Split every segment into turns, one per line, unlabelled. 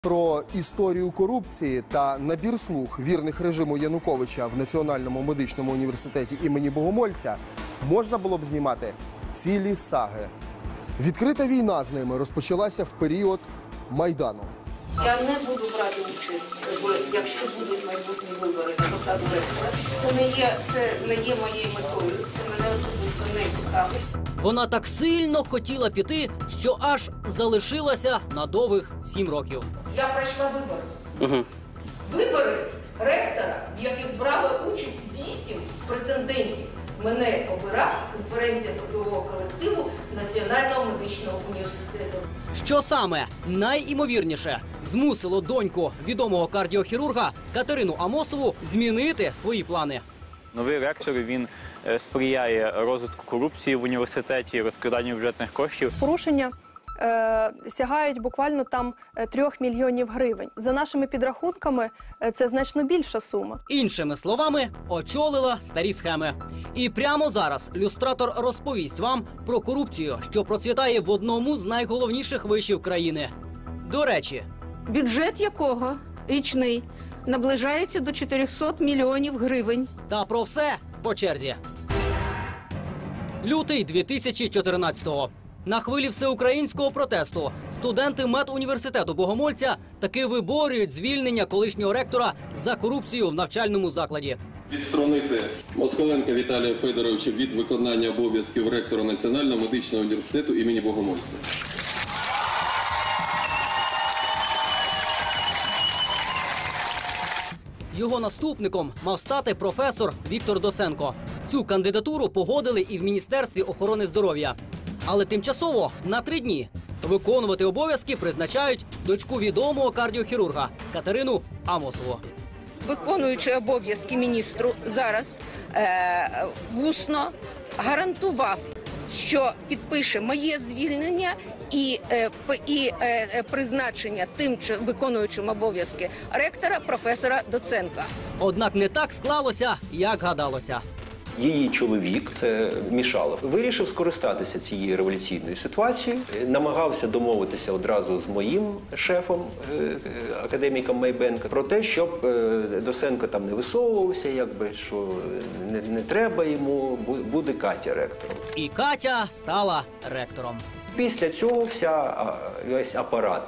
Про історію корупції та набір слуг вірних режиму Януковича в Національному медичному університеті імені Богомольця можна було б знімати цілі саги. Відкрита війна з ними розпочалася в період Майдану.
Я не буду брати участь, якщо будуть майбутні вибори на посаду ректора. Це не є моєю метою, це мене особисто не цікавить.
Вона так сильно хотіла піти, що аж залишилася на довгих 7 років.
Я пройшла вибори. Вибори ректора, в яких брали участь 8 претендентів. Мене обирав конференція трудового колективу Національного медичного університету.
Що саме найімовірніше змусило доньку відомого кардіохірурга Катерину Амосову змінити свої плани?
Новий ректор, він сприяє розвитку корупції в університеті, розкраданню бюджетних коштів.
Порушення сягають буквально там 3 мільйонів гривень. За нашими підрахунками, це значно більша сума.
Іншими словами, очолила старі схеми. І прямо зараз люстратор розповість вам про корупцію, що процвітає в одному з найголовніших вишів країни. До речі,
Бюджет якого річний наближається до 400 мільйонів гривень.
та про все по черзі. Лютий 2014-го. На хвилі всеукраїнського протесту студенти медуніверситету Богомольця таки виборюють звільнення колишнього ректора за корупцію в навчальному закладі.
Відсторонити Москаленка Віталія Федоровича від виконання обов'язків ректора Національного медичного університету імені Богомольця.
Його наступником мав стати професор Віктор Досенко. Цю кандидатуру погодили і в Міністерстві охорони здоров'я. Але тимчасово на 3 дні виконувати обов'язки призначають дочку відомого кардіохірурга Катерину Амосову.
Виконуючи обов'язки міністру зараз вусно гарантував, що підпише моє звільнення і призначення тим виконуючим обов'язки ректора професора Доценка.
Однак не так склалося, як гадалося.
Її чоловік, це Мішалов, вирішив скористатися цією революційною ситуацією, намагався домовитися одразу з моїм шефом, академіком Майбенко, про те, щоб Досенко там не висовувався, якби, що не треба йому, буде Катя ректором.
І Катя стала ректором.
Після цього весь апарат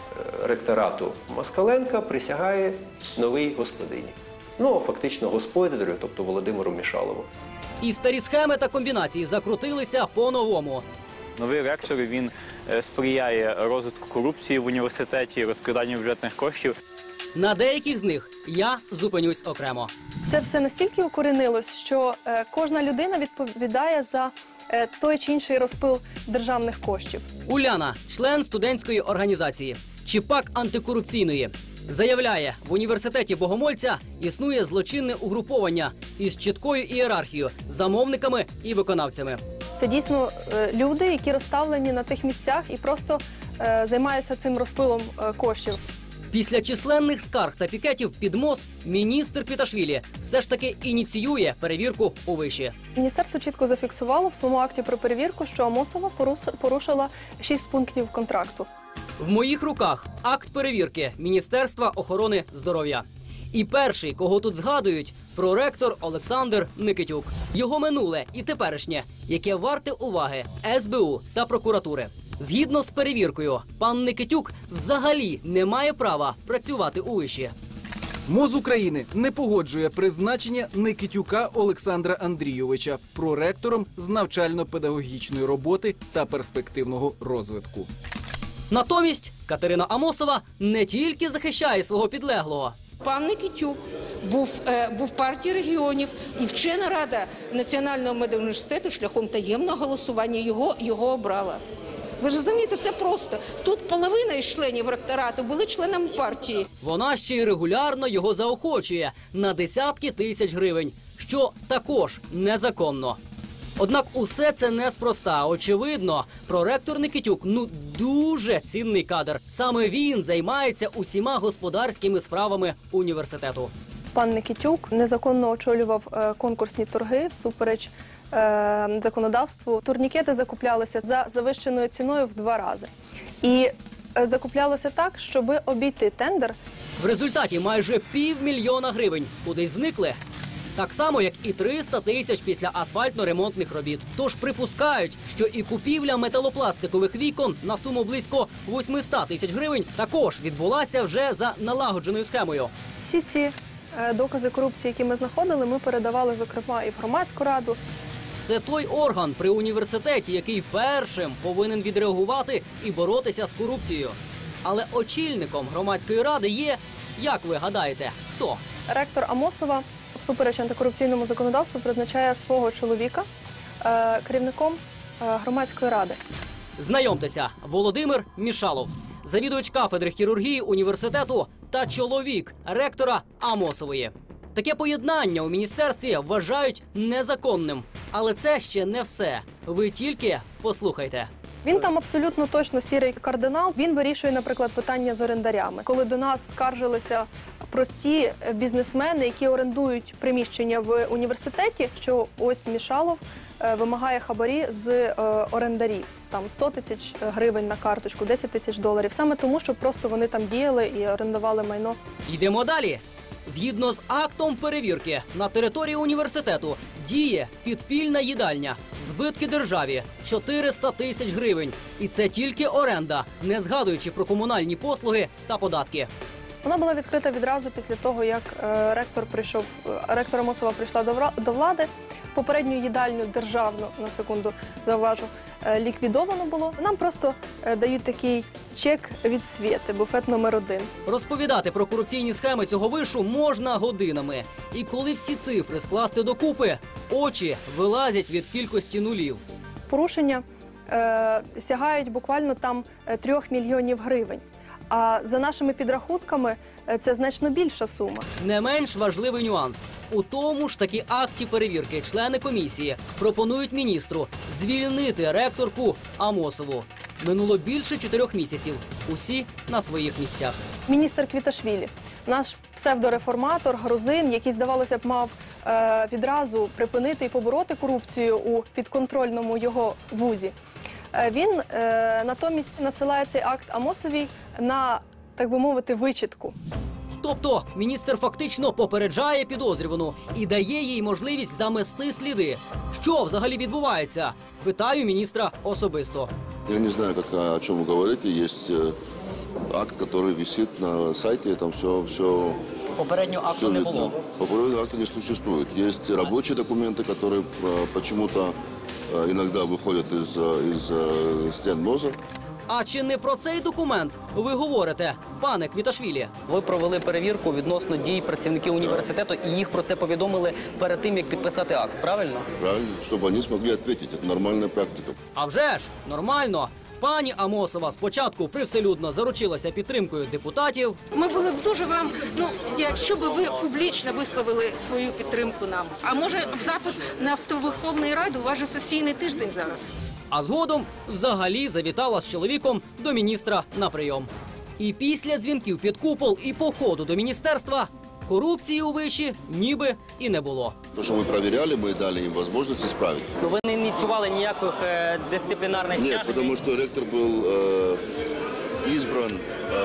ректорату Москаленка присягає новій господині. Ну, фактично господарю, тобто Володимиру Мішалову.
І старі схеми та комбінації закрутилися по-новому.
Новий ректор, він сприяє розвитку корупції в університеті, розкраданню бюджетних коштів.
На деяких з них я зупинюсь окремо.
Це все настільки укорінилось, що кожна людина відповідає за той чи інший розпил державних коштів.
Уляна, член студентської організації, чи пак антикорупційної, заявляє, в університеті Богомольця існує злочинне угруповання із чіткою ієрархією, замовниками і виконавцями.
Це дійсно люди, які розставлені на тих місцях і просто займаються цим розпилом коштів.
Після численних скарг та пікетів під МОЗ міністр Піташвілі все ж таки ініціює перевірку у виші.
Міністерство чітко зафіксувало в своєму акті про перевірку, що Амосова порушила 6 пунктів контракту.
В моїх руках акт перевірки Міністерства охорони здоров'я. І перший, кого тут згадують, проректор Олександр Никитюк. Його минуле і теперішнє, яке варте уваги СБУ та прокуратури. Згідно з перевіркою, пан Никитюк взагалі не має права працювати у виші.
МОЗ України не погоджує призначення Никитюка Олександра Андрійовича проректором з навчально-педагогічної роботи та перспективного розвитку.
Натомість Катерина Амосова не тільки захищає свого підлеглого.
Пан Никитюк був партії регіонів, і вчена рада Національного медуніверситету шляхом таємного голосування його обрала. Ви ж розумієте, це просто. Тут половина із членів ректорату були членами партії.
Вона ще й регулярно його заохочує на десятки тисяч гривень, що також незаконно. Однак усе це неспроста. Очевидно, проректор Никитюк дуже цінний кадр. Саме він займається усіма господарськими справами університету.
Пан Никитюк незаконно очолював конкурсні торги всупереч законодавству. Турнікети закуплялися за завищеною ціною в 2 рази. І закуплялося так, щоб обійти тендер.
В результаті майже 500 000 гривень кудись зникли. Так само, як і 300 тисяч після асфальтно-ремонтних робіт. Тож припускають, що і купівля металопластикових вікон на суму близько 800 тисяч гривень також відбулася вже за налагодженою схемою.
Всі ці докази корупції, які ми знаходили, ми передавали, зокрема, і в громадську раду.
Це той орган при університеті, який першим повинен відреагувати і боротися з корупцією. Але очільником громадської ради є, як ви гадаєте, хто?
Ректор Амосова всупереч антикорупційному законодавству призначає свого чоловіка керівником громадської ради.
Знайомтеся, Володимир Мішалов, завідувач кафедри хірургії університету та чоловік ректора Амосової. Таке поєднання у міністерстві вважають незаконним. Але це ще не все. Ви тільки послухайте.
Він там абсолютно точно сірий кардинал. Він вирішує, наприклад, питання з орендарями. Коли до нас скаржилися прості бізнесмени, які орендують приміщення в університеті, що ось Мішалов вимагає хабарі з орендарів. Там 100 тисяч гривень на карточку, 10 тисяч доларів. Саме тому, що просто вони там діяли і орендували майно.
Йдемо далі. Згідно з актом перевірки, на території університету діє підпільна їдальня. Збитки державі – 400 тисяч гривень. І це тільки оренда, не згадуючи про комунальні послуги та податки.
Вона була відкрита відразу після того, як ректор Амосова прийшла до влади. Попередню їдальню державну, на секунду зауважу, ліквідовано було. Нам просто дають такий чек від Свєти, буфет номер 1.
Розповідати про корупційні схеми цього вишу можна годинами. І коли всі цифри скласти докупи, очі вилазять від кількості нулів.
Порушення сягають буквально там 3 мільйонів гривень. А за нашими підрахунками це значно більша сума.
Не менш важливий нюанс. У тому ж таки акті перевірки члени комісії пропонують міністру звільнити ректорку Амосову. Минуло більше 4 місяців. Усі на своїх місцях.
Міністр Квіташвілі, наш псевдореформатор, грузин, який, здавалося б, мав відразу припинити і побороти корупцію у підконтрольному його вузі. Він натомість надсилає цей акт Амосовій на, так би мовити, вичитку.
Тобто міністр фактично попереджає підозрювану і дає їй можливість замести сліди. Що взагалі відбувається? Питаю міністра особисто.
Я не знаю, о чем вы говорите. Есть акт, который висит на сайте, там все.
Попереднього акту не було.
Попереднего акта не существует. Есть рабочие документы, которые почему-то иногда выходят из стен МОЗа.
А чи не про цей документ ви говорите, пане Квіташвілі? Ви провели перевірку відносно дій працівників університету і їх про це повідомили перед тим, як підписати акт, правильно?
Правильно, чтобы они смогли ответить. Это нормальная практика.
А вже ж, нормально. Пані Амосова спочатку привселюдно заручилася підтримкою депутатів.
Ми були б дуже вам, якщо б ви публічно висловили свою підтримку нам. А може в запит на Верховної Ради, у вас же сесійний тиждень зараз.
А згодом взагалі завітала з чоловіком до міністра на прийом. І після дзвінків під купол і походу до міністерства корупції у виші ніби і не було.
То, что мы проверяли, мы дали им возможность исправить.
Ну ви не ініціювали ніяких дисциплінарних
Нет, потому что ректор был избран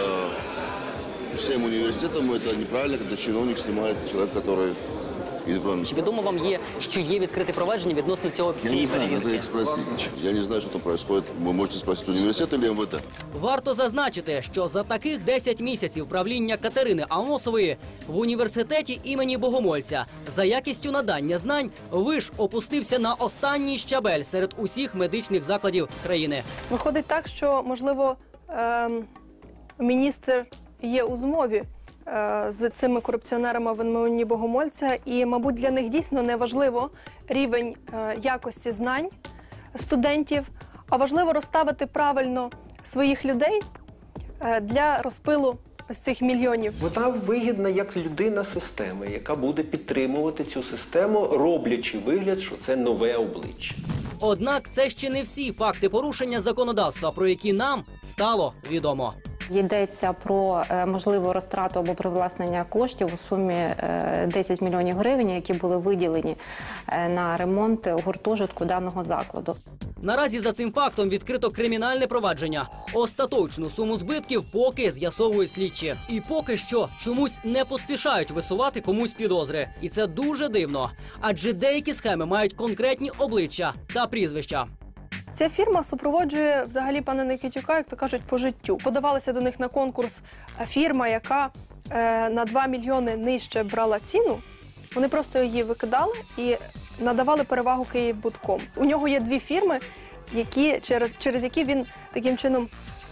всем университетом. Это неправильно, когда чиновник снимает человека, который избран.
Чи відомо вам є, що є відкрите провадження відносно
Я не знаю, надо их спросить. Я не знаю, что там происходит. Вы можете спросить университет или МВТ.
Варто зазначити, що за таких 10 місяців правління Катерини Амосової в університеті імені Богомольця за якістю надання знань виш опустився на останній щабель серед усіх медичних закладів країни.
Виходить так, що, можливо, міністр є у змові з цими корупціонерами в імені Богомольця, і, мабуть, для них дійсно не важливо рівень якості знань студентів, а важливо розставити правильно своїх людей для розпилу ось цих мільйонів.
Вона вигідна як людина системи, яка буде підтримувати цю систему, роблячи вигляд, що це нове обличчя.
Однак це ще не всі факти порушення законодавства, про які нам стало відомо.
Йдеться про можливу розтрату або привласнення коштів у сумі 10 мільйонів гривень, які були виділені на ремонт гуртожитку даного закладу.
Наразі за цим фактом відкрито кримінальне провадження. Остаточну суму збитків поки з'ясовують слідчі. І поки що чомусь не поспішають висувати комусь підозри. І це дуже дивно. Адже деякі схеми мають конкретні обличчя та прізвища.
Ця фірма супроводжує взагалі пана Никитюка, як то кажуть, по життю. Подавалася до них на конкурс фірма, яка на 2 мільйони нижче брала ціну. Вони просто її викидали і надавали перевагу Київбудком. У нього є 2 фірми, через які він таким чином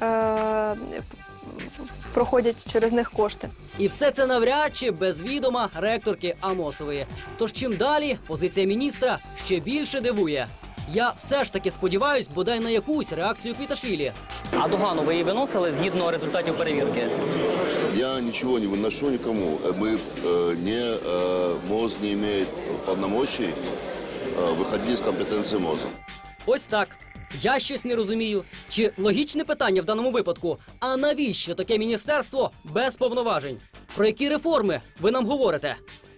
проходять через них кошти.
І все це навряд чи без відома ректорки Амосової. Тож чим далі, позиція міністра ще більше дивує. Я все ж таки сподіваюсь, бодай на якусь реакцію Квіташвілі.
А догану ви її виносили згідно результатів перевірки?
Я ничего не выношу никому. МОЗ не имеет полномочий выходить из компетенции МОЗа.
Ось так. Я щось не розумію. Чи логічне питання в даному випадку? А навіщо таке міністерство без повноважень? Про які реформи ви нам говорите?